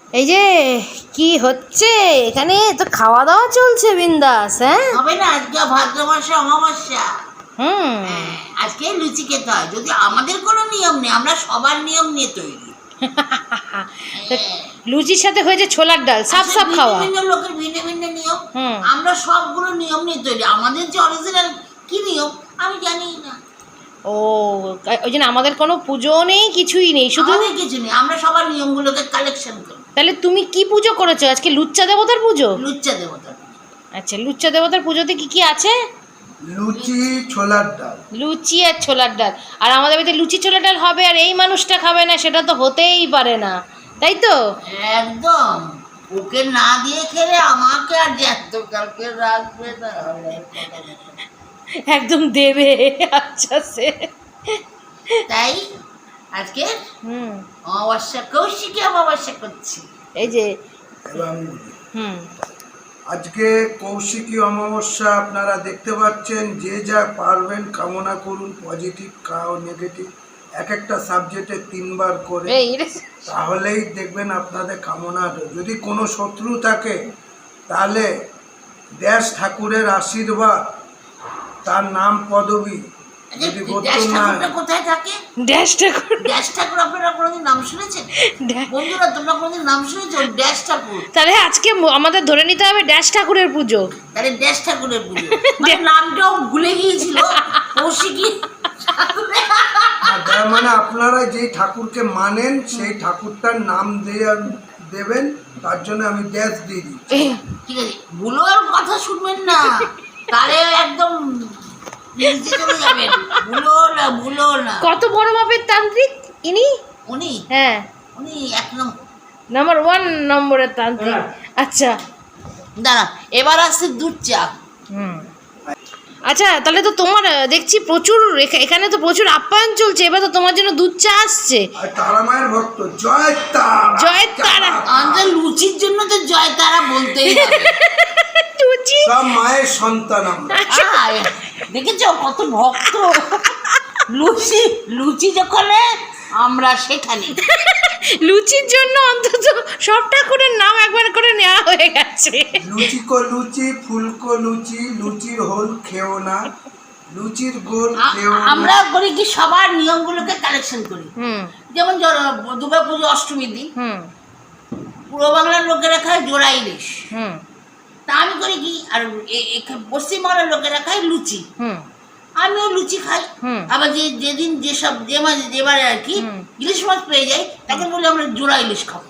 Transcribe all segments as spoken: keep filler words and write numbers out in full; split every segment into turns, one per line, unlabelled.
এই যে কি হচ্ছে এখানে, তো খাওয়া দাওয়া চলছে বিন্দাস। হ্যাঁ
হবে না, আজকে ভাদ্র মাসে অমাবস্যা।
হুম
আজকে লুচি খেতে হয়, যদি আমাদের কোনো নিয়ম নেই, আমরা সবার নিয়ম নিয়ে তৈরি।
লুচির সাথে হয়েছে ছোলার ডাল, সাপ সাপ খাওয়া।
ভিন্ন লোকের ভিন্ন ভিন্ন নিয়ম,
হুম
আমরা সবগুলো নিয়ম নিয়ে তৈরি। আমাদের যে অরিজিনাল কি নিয়ম আমি জানি না।
ও ওই জন্য আমাদের কোনো পুজো নেই, কিছুই নেই, শুধু
আমাদের কিছু নেই, আমরা সবার নিয়মগুলোকে কালেকশন করি।
তাহলে তুমি কি পুজো করেছো আজকে? লুচ্চা দেবতার পুজো।
লুচ্চা দেবতার পুজো।
আচ্ছা, লুচ্চা দেবতার পুজোতে কি কি আছে?
লুচি ছোলার ডাল।
লুচি আর ছোলার ডাল। আর আমাদের বাড়িতে লুচি ছোলার ডাল হবে আর এই মানুষটা খাবে না, সেটা তো হতেই পারে না, তাই তো?
একদম, ওকে না দিয়ে খেলে আমাকে আর জ্যান্ত কালকে রাখবে না।
একদম দেবে। আচ্ছা সে
তাই আজকে
হুম
অমাবস্যা, কৌশিকী অমাবস্যা করছি।
এই যে
এবং
হুম
আজকে কৌশিকী অমাবস্যা, আপনারা দেখতে পাচ্ছেন যে যা পারবেন কামনা করুন, পজিটিভ কাও নেগেটিভ, এক একটা সাবজেক্টে তিনবার করে,
এই
তাহলেই দেখবেন আপনাদের কামনা। যদি কোনো শত্রু থাকে তাহলে দেশ ঠাকুরের আশীর্বাদ, তার নাম পদবী যদি
ড্যাশ
গোত্র না,
ঠাকুরটা কোথায় থাকে?
ড্যাশ ঠাকুর।
ড্যাশ ঠাকুর আপনারা কোনোদিন নাম শুনেছেন? বন্ধুরা তোমরা কোনোদিন নাম শুনেছো ড্যাশ ঠাকুর?
তাহলে আজকে ম- আমাদের ধরে নিতে হবে ড্যাশ ঠাকুরের পুজো।
তাহলে ড্যাশ ঠাকুরের পুজো, মানে নামটাও ভুলে গিয়েছিল কৌশিকী ঠাকুরের।
আর তার মানে আপনারা যেই ঠাকুরকে মানেন সেই ঠাকুরটার নাম দিয়ে দেবেন, তার জন্য আমি ড্যাশ দিয়ে দিই।
ঠিক আছে, ভুলো আর কথা শুনবেন না, তাহলে একদম নিচে চলে যাবেন। ভুলো না, ভুলো না।
কত বড় মাপের তান্ত্রিক ইনি?
উনি
হ্যাঁ,
উনি এক নম্বর।
নাম্বার ওয়ান নম্বরের তান্ত্রিক। আচ্ছা
দাঁড়া, এবার আসছে দুধ চা।
হুম আচ্ছা, তাহলে তো তোমার আহ, দেখছি প্রচুর এখা- এখানে তো প্রচুর আপ্যায়ন চলছে, এবার তো তোমার জন্য দুধ চা আসছে।
আর তারা মায়ের ভক্ত, জয় তারা।
জয় তারা।
আমাদের লুচির জন্য তো জয় তারা বলতেই হবে।
লুচি
সব মায়ের সন্তান আমরা।
আয়, দেখেছো কত ভক্ত। লুচি লুচি যখন আমরা সেখানে।
লুচির জন্য অন্তত সব ঠাকুরের নাম একবার করে নেওয়া হয়ে গেছে।
লুচি কো লুচি, ফুলকো লুচি, লুচির হোল খেও না, লুচির গোল
আ-
খেও
আমরা
না।
করি কি সবার নিয়মগুলোকে কালেকশন করি।
হুম
যেমন দুর্গা পুজো অষ্টমীর দিন
হুম
পূর্ব বাংলার লোকেরা খায় জোড়া ইলিশ,
হুম
তা আমি করি কি, আর এ- এ- পশ্চিমবাংলার লোকেরা খায় লুচি,
হুম
আমিও লুচি খাই।
হুম।
আবার যে যেদিন যেসব যে মাছ যেবারে আর কি
হুম।
ইলিশ মাছ পেয়ে যাই, তখন বলি আমরা জোড়া ইলিশ খাবো।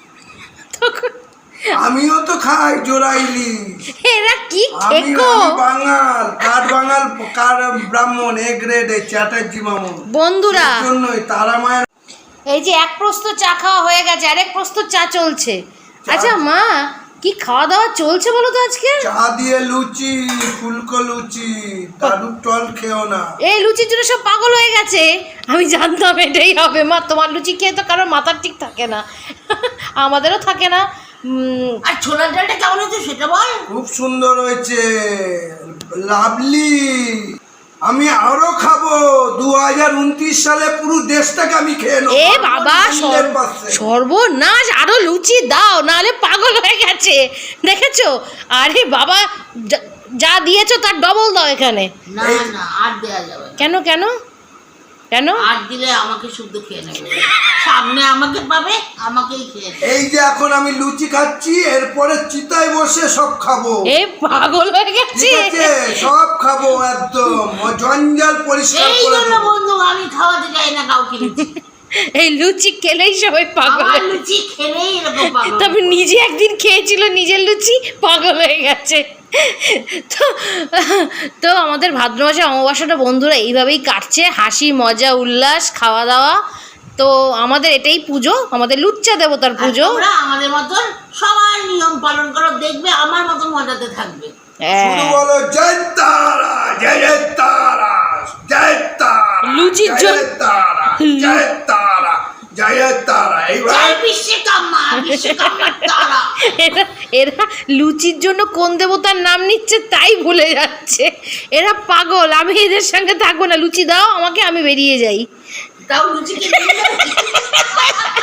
আমিও তো খাই জোড়া ইলিশ।
এরা কি
আমি
খেকো
আমি বাঙাল, কাঠ বাঙাল, কার ব্রাহ্মণ, এ গ্রেডে চ্যাটার্জি মামুন।
বন্ধুরা।
সেই জন্যই তারা মায়ের।
এই যে এক প্রস্ত চা খাওয়া হয়ে গেছে, আরেক প্রস্ত চা চলছে। আচ্ছা মা, কি খাওয়া দাওয়া চলছে বলো তো আজকে?
চা দিয়ে লুচি, ফুলকো লুচি, দাদুর টল খেও না।
এই লুচির জন্য সব পাগল হয়ে গেছে। আমি জানতাম এটাই হবে মা, তোমার লুচি খেয়ে তো কারোর মাথার ঠিক থাকে না, আমাদেরও থাকে না। উম,
আর ছোলার ডালটা কেমন হয়েছে সেটা বল।
খুব সুন্দর হয়েছে, লাভলি। আমি আরো খাবো। দু হাজার উনত্রিশ সালে পুরো দেশটাকে আমি খেয়ে নেবো।
এ বাবা,
হান্ড্রেড
সর্ব-
পার্সেন্ট।
সর্বনাশ, আরো লুচি দাও, নাহলে পাগল হয়ে গেছে। দেখেছো? আরে বাবা, যা- যা দিয়েছো তার ডবল দাও এখানে।
না না, আর দেওয়া যাবে না।
কেন কেন কেন?
আর দিলে আমাকে শুদ্ধ খেয়ে নেবে, সামনে আমাকে পাবে, আমাকেই খেয়ে নেবে।
এই যে এখন আমি লুচি খাচ্ছি, এরপরে চিতায় বসে সব খাবো।
এ পাগল হয়ে গেছে।
ঠিক আছে, সব খাবো একদম, ও জঞ্জাল পরিষ্কার
এই
করে
জন্য
দেবো।
বন্ধু আমি খাওয়াতে চাই না কাউকে লুচি।
এই লুচি খেলেই সবাই পাগল
আমার
হয়ে-
লুচি খেলেই এরকম পাগল।
তবে নিজে একদিন খেয়েছিল নিজের লুচি, পাগল হয়ে গেছে। তো তো আমাদের ভাদ্র মাসে অমাবস্যাটা বন্ধুরা এইভাবেই কাটছে, হাসি মজা উল্লাস খাওয়া দাওয়া। তো আমাদের এটাই পুজো, আমাদের লুচ্চা দেবতার
আর
পুজো।
তোমরা আমাদের মতন সবার নিয়ম পালন করো, দেখবে আমার মতন মজাতে থাকবে।
হ্যাঁ।
শুধু বলো জয় তারা, জয় জয় তারা, জয় তারা,
লুচির
জয়
জন্য-
তারা, জয় তারা, জয় তারা। এইবার
জয় বিশ্বকর্মা, বিশ্বকর্মার তারা।
এরা এরা লুচির জন্য কোন দেবতার নাম নিচ্ছে তাই ভুলে যাচ্ছে। এরা পাগল, আমি এদের সঙ্গে থাকবো না। লুচি দাও আমাকে, আমি বেরিয়ে যাই।
তাও লুচি খেতে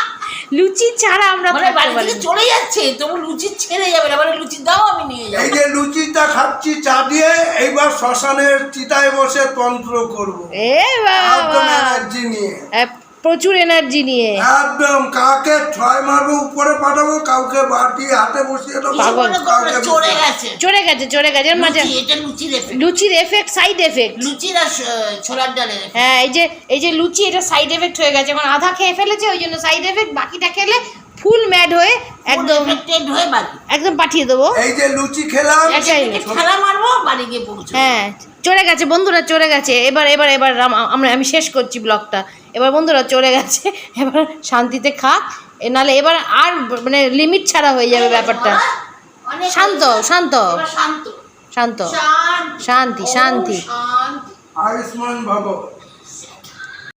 লুচি ছাড়া আমরা
মানে
থাকতে
বাড়ি
পারি
থেকে
না।
চলে যাচ্ছে তবু লুচি ছেড়ে যাবে না, মানে লুচি দাও আমি নিয়ে যাবো।
এই যে লুচিটা খাচ্ছি চা দিয়ে, এইবার শ্মশানের চিতায় বসে তন্ত্র করবো
এ
একদম
বাবা,
এনার্জি নিয়ে,
এ, প্রচুর এনার্জি নিয়ে
একদম কাকে ছয় মারবো উপরে পাঠাবো, কাউকে বাটি হাতে বসিয়ে দেবো,
কিছু মনে করো না,
কাউকে
চড়ে গেছে
চড়ে গেছে চড়ে গেছে এর মাঝে
লুচি, এটা লুচির এফেক্ট,
লুচির এফেক্ট, সাইড এফেক্ট।
লুচির আর স- ছোলার ডালের effect।
হ্যাঁ, এই যে এই যে লুচি, এটা সাইড এফেক্ট হয়ে গেছে, এখন আধা খেয়ে ফেলেছে ওই জন্য সাইড এফেক্ট, বাকিটা খেলে ফুল ম্যাড হয়ে একদম
Full affected হয়ে বাড়ি
একদম পাঠিয়ে দেবো।
এই যে লুচি খেলাম,
আচ্ছা,
একে একে ঠেলা মারবো, বাড়ি গিয়ে পৌঁছে
হ্যাঁ, চড়ে গেছে বন্ধুরা, চড়ে গেছে। এবার এবার এবার রাম- আমরা আমি শেষ করছি ব্লগটা। এবার বন্ধুরা চড়ে গেছে, এবার শান্তিতে খাক, এ নাহলে এবার আর মানে লিমিট ছাড়া হয়ে যাবে ব্যাপারটা।
অনেক
শান্ত শান্ত
এবার শান্ত
শান্ত
শান্ত
শান্তি শান্তি
শান্তি
আয়ুষ্মান ভব।